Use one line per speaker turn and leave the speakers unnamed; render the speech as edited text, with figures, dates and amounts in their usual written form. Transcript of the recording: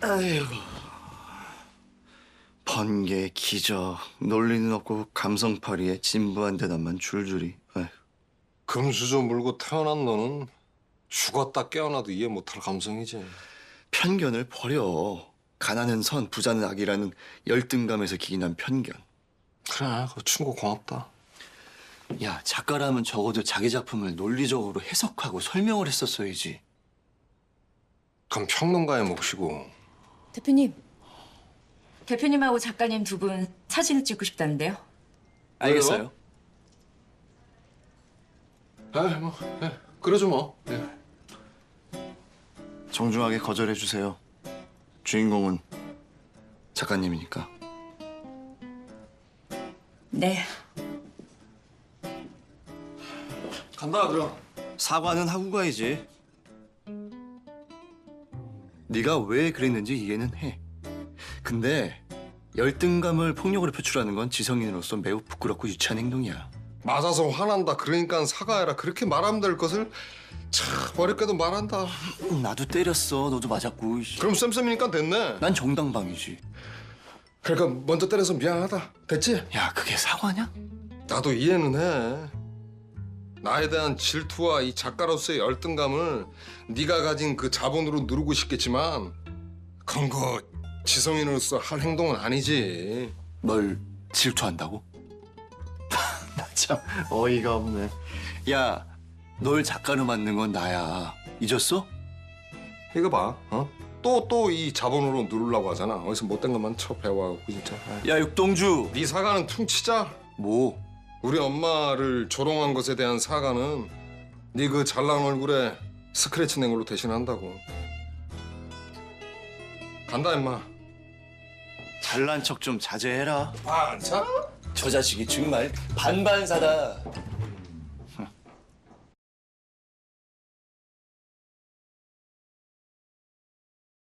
아이고. 번개, 기적, 논리는 없고 감성파리에 진부한 대답만 줄줄이. 아이고.
금수저 물고 태어난 너는 죽었다 깨어나도 이해 못할 감성이지.
편견을 버려. 가난은 선, 부자는 악이라는 열등감에서 기인한 편견.
그래, 그거 충고 고맙다.
야, 작가라면 적어도 자기 작품을 논리적으로 해석하고 설명을 했었어야지.
그럼 평론가의 몫이고.
대표님. 대표님하고 작가님 두 분 사진을 찍고 싶다는데요.
알겠어요.
뭐, 그러죠 뭐.
정중하게 거절해 주세요. 주인공은 작가님이니까.
네.
간다 그럼.
사과는 하고 가야지. 네가 왜 그랬는지 이해는 해. 근데 열등감을 폭력으로 표출하는 건 지성인으로서 매우 부끄럽고 유치한 행동이야.
맞아서 화난다. 그러니까 사과해라. 그렇게 말하면 될 것을 참 어렵게도 말한다.
나도 때렸어. 너도 맞았고.
그럼 쌤쌤이니까 됐네.
난 정당방위지.
그러니까 먼저 때려서 미안하다. 됐지?
야, 그게 사과냐?
나도 이해는 해. 나에 대한 질투와 이 작가로서의 열등감을 네가 가진 그 자본으로 누르고 싶겠지만 그건 그 지성인으로서 할 행동은 아니지.
널 질투한다고? 나 참 어이가 없네. 야, 널 작가로 만든 건 나야. 잊었어?
이거 봐. 또 이 자본으로 누르려고 하잖아. 어디서 못된 것만 쳐 배워갖고 진짜.
야, 육동주.
네 사과는 퉁치자.
뭐?
우리 엄마를 조롱한 것에 대한 사과는 네 그 잘난 얼굴에 스크래치 낸 걸로 대신한다고. 간다 임마.
잘난 척 좀 자제해라.
반사?
저 자식이 정말 반반사다.